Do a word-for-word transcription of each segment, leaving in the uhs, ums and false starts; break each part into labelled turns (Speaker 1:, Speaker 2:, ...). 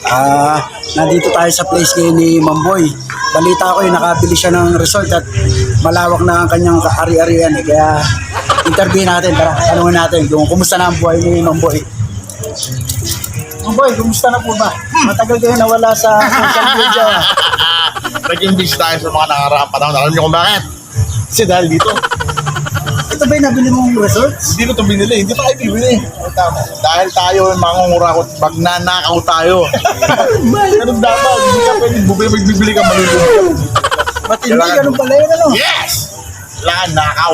Speaker 1: Ah, nandito tayo sa place ngayon ni Mamboy. Balita ko eh, nakabili siya ng resort at malawak na ang kanyang ari-arian eh. Kaya interview natin, tara, tanungin natin kung kumusta na ang buhay ni Mamboy. Mamboy, kumusta na po ba? Matagal kayo nawala sa social media.
Speaker 2: Naging busy tayo sa mga nakaraang panahon. Alam niyo kung bakit? Kasi dahil dito,
Speaker 1: Ito ba yung nabili mong resort?
Speaker 2: hindi ko ito binili. Hindi pa kayo bibili. Tama. Dahil tayo, mangungurakot, magnanakaw tayo. Ganun dapat. Hindi ka pwede bubili, magbibili ka, malulunod.
Speaker 1: Matindi,
Speaker 2: Kailangan-
Speaker 1: ganun pala yun ano?
Speaker 2: Yes! Kailangan nakaw.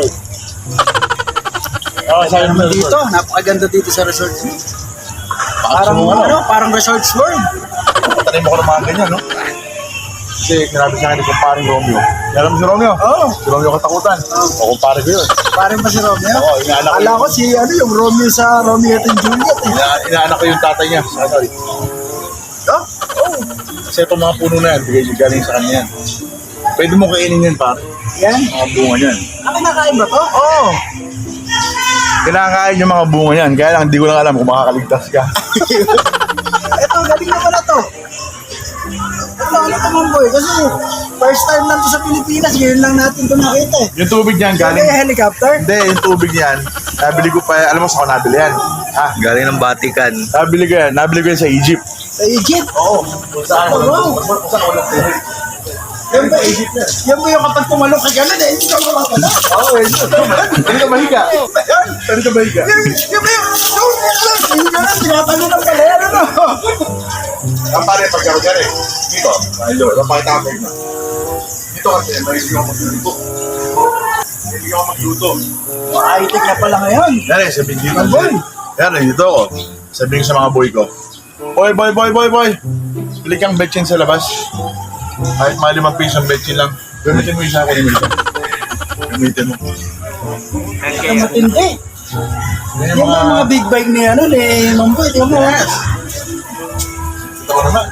Speaker 2: Oh,
Speaker 1: Kaya naman dito, napakaganda dito sa resort. Parang
Speaker 2: Parang
Speaker 1: ano, parang Resorts World.
Speaker 2: Tanay mo ko ng mga ganyan, no? Kasi sinabi sa akin ni kumparing Romeo. Alam mo si Romeo?
Speaker 1: Oo.
Speaker 2: Si Romeo katakutan. O kumpare ko yun.
Speaker 1: Parang ba si Romeo?
Speaker 2: Oo, inaanak ko.
Speaker 1: Akala ko si ano yung Romeo sa Romeo at Juliet eh.
Speaker 2: Ina inaanak ko yung tatay niya. Sa ano eh.
Speaker 1: Oh?
Speaker 2: Oo. Kasi itong mga puno na yan, bigay galing sa kanya yan. Pwede mo kainin yan, pare.
Speaker 1: Yan.
Speaker 2: Mga bunga niyan.
Speaker 1: Ah, kinakain ba to?
Speaker 2: Oo. Kinakain yung mga bunga niyan. Kaya lang, hindi ko lang alam kung makakaligtas ka.
Speaker 1: Ito, galing na pala to. Ito, ano to Mamboy? Kasi first time lang to sa Pilipinas. Ngayon lang natin ito nakita eh.
Speaker 2: Yung tubig niyan,
Speaker 1: Galing
Speaker 2: galing...
Speaker 1: yung helicopter?
Speaker 2: Hindi, yung tubig niyan, nabili ko pa, alam mo sa ako nabili yan. Ha?
Speaker 3: Galing ng Vatican.
Speaker 2: Nabili ko yan, nabili ko yan sa Egypt.
Speaker 1: Sa Egypt?
Speaker 2: Oo. Kung saan
Speaker 1: Oh, wow.
Speaker 2: Kung saan walang tubig.
Speaker 1: Yan ba, yan ba yung kapag tumalok ka gano'n eh? Hindi ka makakala.
Speaker 2: Oo, eh. Pwede ka mahiga. Pwede ka mahiga.
Speaker 1: Yan yan ba yung... Yung gano'n, tinatalo ng pala yan ano?
Speaker 2: Ang pare, pagkaro-karo eh. Dito, ayun, napakita ko na. Dito kasi, may hindi ako magluto. Hindi ako magluto.
Speaker 1: High-tech na pala ngayon.
Speaker 2: Yan eh, sabihin dito.
Speaker 1: Ang boy.
Speaker 2: Yan eh, dito ako. Sabihin ko sa mga boy ko. Boy, boy, boy, boy, boy. Bili kang betchin sa labas. Kahit mga limang pisong betchin lang. Gamitin mo yung isa ko ni Milka. Gamitin mo.
Speaker 1: Ang matindi.
Speaker 2: Yan
Speaker 1: Yung
Speaker 2: yung
Speaker 1: mga, mga big bike ni ano, ni Mamboy, tingnan mo.
Speaker 2: Yes. Ito ko naman.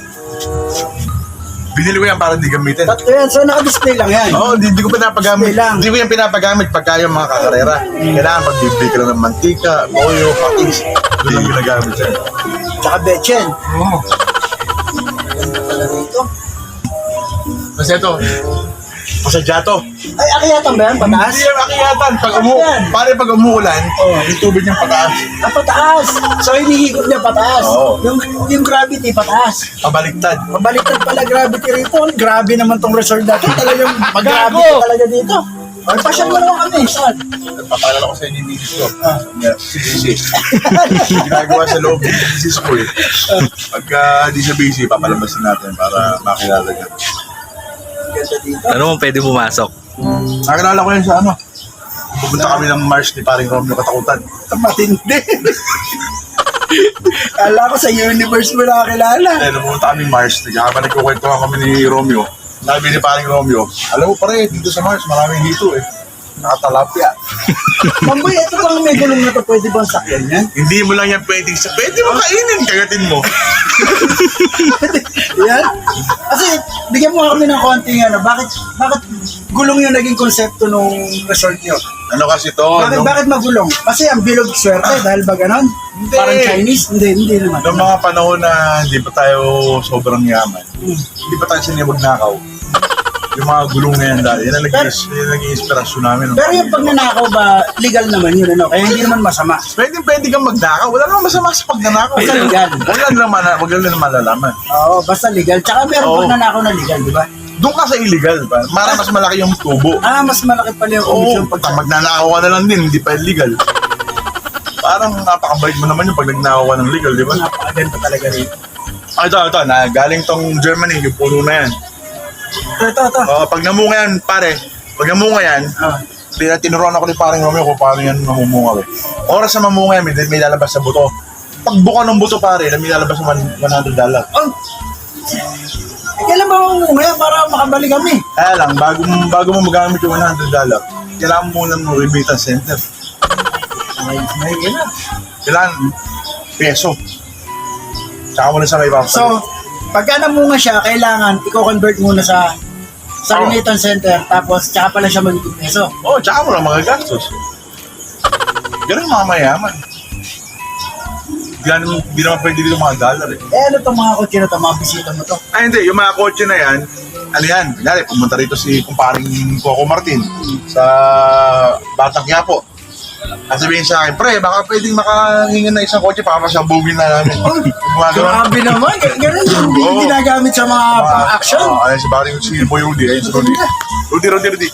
Speaker 2: Binili ko yan para hindi gamitin.
Speaker 1: Tatlo yan, so naka-display lang yan.
Speaker 2: Oo, oh, hindi, hindi ko pinapagamit.
Speaker 1: Display lang.
Speaker 2: Hindi ko yan pinapagamit pagka yung mga kakarera. Kailangan pagbibili ka lang ng mantika, toyo, patis. Hindi yung ginagamit siya.
Speaker 1: Tsaka betchen.
Speaker 2: Oo.
Speaker 1: Pala rito.
Speaker 2: Kasi ito, masadyato.
Speaker 1: Ay, akiyatan ba yan? Pataas?
Speaker 2: Hindi yung akiyatan. Pag umu
Speaker 1: Yan.
Speaker 2: pare pag umuulan, oh, yung tubig niyang pataas.
Speaker 1: Ah, pataas. So, hinihigop niya pataas.
Speaker 2: Oo.
Speaker 1: Yung, yung gravity, pataas.
Speaker 2: Pabaliktad.
Speaker 1: Mabaliktad pala gravity rito. Grabe naman tong resort na to. Talagang
Speaker 2: Magago!
Speaker 1: gravity talaga dito. Ay, pasyal mo naman kami. Saan?
Speaker 2: Papalala ko sa inyo yung misis ko. Yeah, si busy. Ginagawa sa loob ng misis ko eh. Pagka di siya busy, papalabasin natin para makilala niya.
Speaker 1: Ganda dito.
Speaker 3: Ano mo pwede pumasok?
Speaker 2: Nakilala ko yan sa ano. Pupunta kami ng Mars ni paring Romeo Katakutan.
Speaker 1: Matindi. Kala ko sa universe mo nakakilala.
Speaker 2: Eh, nung pumunta kami Mars, habang nagkukwentuhan kami ni Romeo, sabi ni paring Romeo, alam mo pare, dito sa Mars, maraming hito eh. Nakatalapya.
Speaker 1: Mamboy, ito bang may gulong na to? Pwede bang sakyan yan?
Speaker 2: Hindi mo lang yan pwedeng sa... Pwede mo kainin, kagatin mo.
Speaker 1: Yan? Kasi, bigyan mo kami ng konting ano, bakit, bakit gulong yung naging konsepto nung resort nyo?
Speaker 2: Ano kasi to?
Speaker 1: Bakit,
Speaker 2: nung,
Speaker 1: bakit magulong? Kasi ang bilog swerte dahil ba ganon?
Speaker 2: Hindi.
Speaker 1: Parang Chinese? Hindi, hindi naman.
Speaker 2: Noong mga panahon na hindi pa tayo sobrang yaman, hindi pa tayo sinibag nakaw. Yung mga gulong na yan dahil, yan ang naging, yan ang naging inspirasyon namin.
Speaker 1: Pero yung pagnanakaw ba, legal naman yun, ano? Kaya hindi naman masama.
Speaker 2: Pwede, pwede kang magnakaw. Wala namang masama sa pagnanakaw.
Speaker 1: Basta legal.
Speaker 2: Wala naman, wag lang naman malalaman.
Speaker 1: Oo, basta legal. Tsaka meron
Speaker 2: Oo.
Speaker 1: pagnanakaw na legal, di ba?
Speaker 2: Doon ka sa illegal, ba? Mara mas malaki yung tubo.
Speaker 1: Ah, mas malaki pala yung
Speaker 2: Oo,
Speaker 1: komisyon
Speaker 2: pag
Speaker 1: pag...
Speaker 2: magnanakaw ka na lang din, hindi pa illegal. Parang napakabait mo naman yung pag nagnakaw ka ng legal, di ba?
Speaker 1: Napakaganda talaga rin.
Speaker 2: Ah, ito, ito, na, galing tong Germany, yung puno na yan.
Speaker 1: Ito, ito, ito.
Speaker 2: Oh, pag namunga yan, pare, pag namunga yan,
Speaker 1: Ah.
Speaker 2: tin- tinuruan ako ni paring Romeo kung paano yan mamumunga. Eh. Oras na mamunga yan, may, may lalabas sa buto. Pag buka ng buto, pare, may lalabas sa one hundred dollars.
Speaker 1: Oh! Eh, kailan ba mamunga para makabalik kami?
Speaker 2: Kaya lang, bago, mo- bago mo magamit yung one hundred dollars, kailangan mo muna ng remittance center.
Speaker 1: Ay, may na.
Speaker 2: Kailangan peso. Tsaka mo na sa may papalit.
Speaker 1: So, pagka namunga siya, kailangan i-convert muna sa sa
Speaker 2: Oo.
Speaker 1: remittance center, tapos tsaka pala siya magiging peso.
Speaker 2: Oo, oh, tsaka mo lang mga gastos. Ganun mga mayaman. Hindi naman, hindi naman pwede dito mga dollar eh.
Speaker 1: Eh, ano itong mga kotse na ito? Mga bisita mo to?
Speaker 2: Ay hindi, yung mga kotse na yan, ano yan, kunyari, pumunta rito si kumparing Coco Martin sa Batang Quiapo. At sabihin sa akin, pre, baka pwedeng makahingan na isang kotse para masabugin na namin. Gumagawa.
Speaker 1: Grabe naman. Gan- Ganun yung hindi
Speaker 2: Oo.
Speaker 1: ginagamit sa mga pang-action.
Speaker 2: Oo, ayun si Baring si Boy Rudy, ayun si Rudy. Rudy, Rudy, Rudy.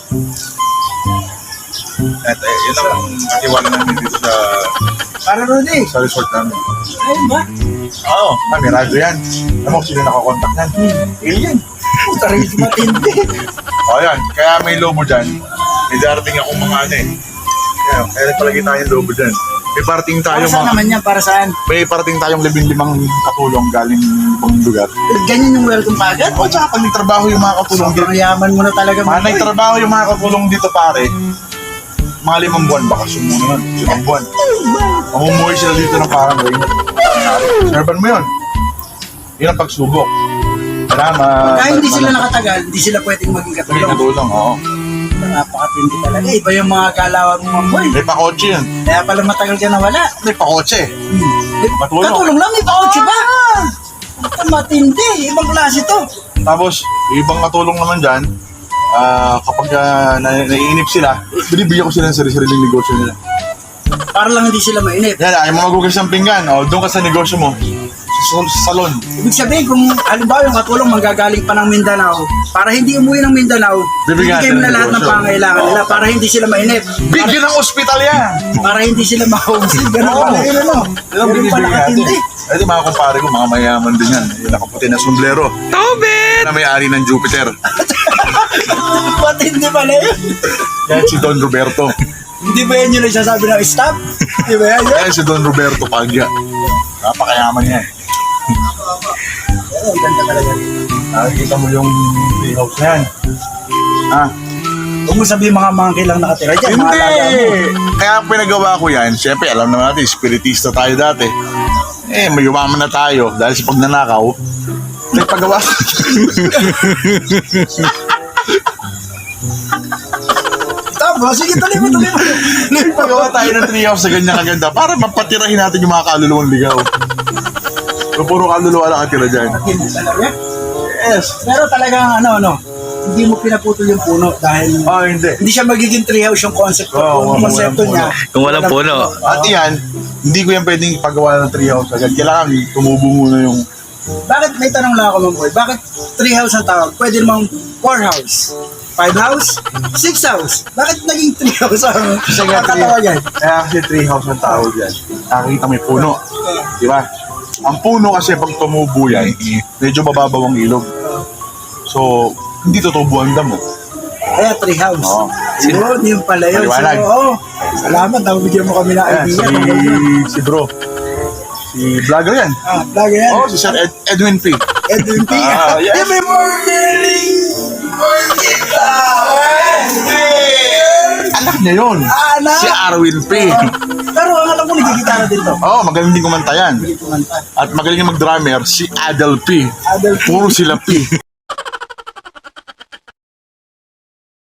Speaker 2: At eh, yun lang ang katiwala namin dito sa,
Speaker 1: Para Rudy.
Speaker 2: sa resort namin.
Speaker 1: Ayun ba?
Speaker 2: Oo, ah, may radyo yan. Alam mo, sino nakakontak yan? Alien.
Speaker 1: Puta rin matindi.
Speaker 2: O yan, kaya may lobo dyan. May darating akong mga ano eh. Kaya, kaya palagi tayong lobo dyan. May parating
Speaker 1: Para
Speaker 2: tayong
Speaker 1: saan
Speaker 2: mga,
Speaker 1: naman yan? Para saan?
Speaker 2: may parating tayong labing limang katulong galing ibang lugar.
Speaker 1: Ganyan yung welcome pa agad?
Speaker 2: O tsaka pag nagtrabaho yung mga katulong dito.
Speaker 1: Sobrang yaman mo na talaga.
Speaker 2: Mga
Speaker 1: Mamboy.
Speaker 2: nagtrabaho yung mga katulong dito pare. Mga limang buwan, baka sumuno nun. Limang buwan. Mamumuhay sila dito ng parang ring. Serban mo yun. Yun ang pagsubok. Salamat.
Speaker 1: Kaya hindi sila nakatagal, hindi sila pwedeng maging
Speaker 2: May
Speaker 1: katulong.
Speaker 2: katulong, oo.
Speaker 1: Napakatindi talaga. Iba yung mga galawan mo, Mamboy.
Speaker 2: May pakotse yun.
Speaker 1: Kaya pala matagal ka nawala.
Speaker 2: May pakotse.
Speaker 1: Hmm.
Speaker 2: Matulong.
Speaker 1: Katulong lang, may pakotse ba? Puta, matindi. Ibang klase to.
Speaker 2: Tapos, yung ibang katulong naman dyan, ah, kapag uh, na naiinip sila, binibigyan ko sila ng sarili-sariling negosyo nila.
Speaker 1: Para lang hindi sila mainip.
Speaker 2: Yan, ayaw mo magugas ng pinggan, o doon ka sa negosyo mo, sa, sa salon.
Speaker 1: Ibig sabihin, kung halimbawa yung katulong manggagaling pa ng Mindanao, para hindi umuwi ng Mindanao,
Speaker 2: Bibigyan
Speaker 1: bibigyan mo
Speaker 2: natin
Speaker 1: na
Speaker 2: ng
Speaker 1: lahat ng
Speaker 2: negosyo.
Speaker 1: pangailangan nila para hindi sila mainip.
Speaker 2: Bigyan ng ospital yan!
Speaker 1: Para hindi sila ma-homesick. Ganun
Speaker 2: Oo.
Speaker 1: pala yun, ano?
Speaker 2: Yan ang
Speaker 1: Ganun pala
Speaker 2: binibigyan natin.
Speaker 1: katindi.
Speaker 2: Ay, di mga kumpare ko, mga mayaman din yan. Yung nakaputi na sombrero.
Speaker 3: Tobit!
Speaker 2: Na may-ari ng Jupiter.
Speaker 1: Matindi pala yun.
Speaker 2: Yan si Don Roberto.
Speaker 1: Hindi ba yan yung nagsasabi ng stop? Hindi ba yan yun?
Speaker 2: Yan si Don Roberto Pagya. Napakayaman yan.
Speaker 1: Pero ang ganda talaga.
Speaker 2: Nakikita mo yung treehouse na yan. Ah,
Speaker 1: Huwag mo sabihin mga monkey lang nakatira dyan. Mga
Speaker 2: hindi!
Speaker 1: alaga mo.
Speaker 2: Kaya ang pinagawa ko yan, siyempre alam naman natin, spiritista tayo dati. Eh, may umaman na tayo dahil sa pagnanakaw. May pagawa.
Speaker 1: Tama, sige, tuloy mo, tuloy mo.
Speaker 2: May pagawa tayo ng treehouse sa ganyan kaganda para mapatirahin natin yung mga kaluluwang ligaw. So, puro kaluluwa lang katira dyan.
Speaker 1: Hindi talaga.
Speaker 2: Yes.
Speaker 1: Pero talagang ano, ano, hindi mo pinaputol yung puno dahil
Speaker 2: Oh, hindi.
Speaker 1: hindi siya magiging treehouse yung concept ko.
Speaker 2: Oo,
Speaker 1: yung
Speaker 2: walang
Speaker 1: konsepto
Speaker 2: puno.
Speaker 1: niya.
Speaker 3: Kung walang puno.
Speaker 2: At yan, hindi ko yan pwedeng ipagawa ng treehouse agad. Kailangan tumubo muna yung...
Speaker 1: Bakit, may tanong lang ako, Mamboy, bakit treehouse ang tawag? Pwede namang four house, five house, six house. Bakit naging treehouse ang
Speaker 2: Kasi nga,
Speaker 1: ang katawagan?
Speaker 2: kaya kasi treehouse ang tawag yan. Nakikita may puno. Di ba? Ang puno kasi pag tumubo yan, medyo mababaw ang ilog. So, hindi tutubo ang damo.
Speaker 1: Kaya treehouse.
Speaker 2: Oo.
Speaker 1: Yun, yun pala yun. So,
Speaker 2: Maliwanag.
Speaker 1: oo. Salamat, nabigyan mo kami ng
Speaker 2: Ayan,
Speaker 1: idea.
Speaker 2: si, si bro. Si vlogger yan.
Speaker 1: Ah, vlog yan.
Speaker 2: Oh, si Sir Ed, Edwin P.
Speaker 1: Edwin P.
Speaker 2: Ah, yes.
Speaker 1: Every morning, morning
Speaker 2: Anak niya yun.
Speaker 1: Anak?
Speaker 2: Si Arwin P.
Speaker 1: Pero ang alam ko, nagigitara din to.
Speaker 2: Oh, magaling din kumanta yan.
Speaker 1: Hindi kumanta.
Speaker 2: At magaling mag-drummer, si Adel P.
Speaker 1: Adel P.
Speaker 2: Puro sila P.